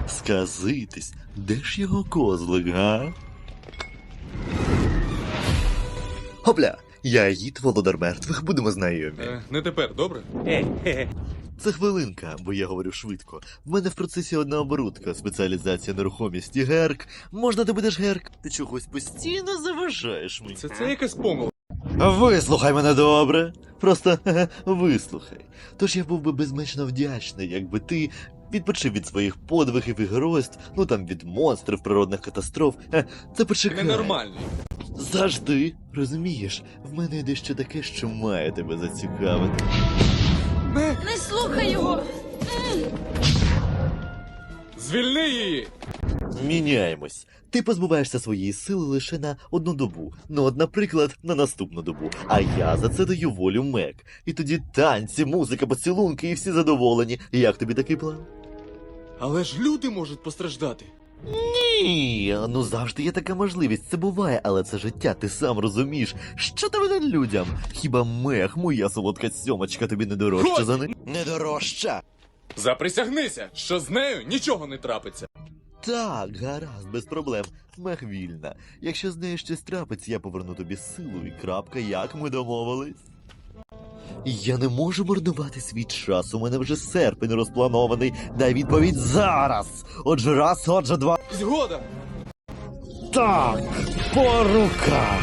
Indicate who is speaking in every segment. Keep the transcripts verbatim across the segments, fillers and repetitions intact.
Speaker 1: Сказитись, де ж його козлик, га? Хопля, я Аїд, володар мертвих, будемо знайомі.
Speaker 2: Е, не тепер, добре?
Speaker 1: Це хвилинка, бо я говорю швидко. В мене в процесі одна оборудка, спеціалізація нерухомість і герк. Можна ти будеш герк? Ти чогось постійно заважаєш мені.
Speaker 2: Це це якась помилка.
Speaker 1: Вислухай мене добре. Просто вислухай. Тож я був би безмежно вдячний, якби ти відпочив від своїх подвигів і геройств, ну там від монстрів, природних катастроф. Е, Це почекай.
Speaker 2: Ненормальний.
Speaker 1: Завжди, розумієш, в мене є дещо таке, що має тебе зацікавити.
Speaker 2: Не!
Speaker 3: Не слухай його!
Speaker 2: Звільни її!
Speaker 1: Міняємось. Ти позбуваєшся своєї сили лише на одну добу. Ну, от, наприклад, на наступну добу. А я за це даю волю Мек. І тоді танці, музика, поцілунки і всі задоволені. Як тобі такий план?
Speaker 2: Але ж люди можуть постраждати.
Speaker 1: Ні, ну завжди є така можливість, це буває, але це життя, ти сам розумієш. Що ти винен людям? Хіба Мех, моя солодка сьомочка, тобі не дорожча
Speaker 2: Годі!
Speaker 1: за них? Не дорожча!
Speaker 2: Заприсягнися, що з нею нічого не трапиться.
Speaker 1: Так, гаразд, без проблем. Мех вільна. Якщо з нею щось трапиться, я поверну тобі силу і крапка, як ми домовились. Я не можу марнувати свій час, у мене вже серпень розпланований. Дай відповідь зараз! Отже раз, отже два.
Speaker 2: Згода!
Speaker 1: Так, по руках!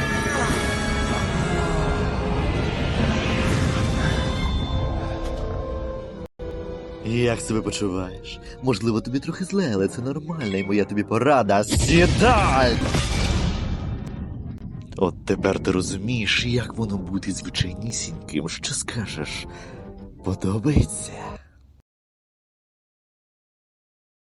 Speaker 1: Як себе почуваєш? Можливо, тобі трохи зле, але це нормально, і моя тобі порада. Сідай! От тепер ти розумієш, як воно бути звичайнісіньким. Що скажеш? Подобається?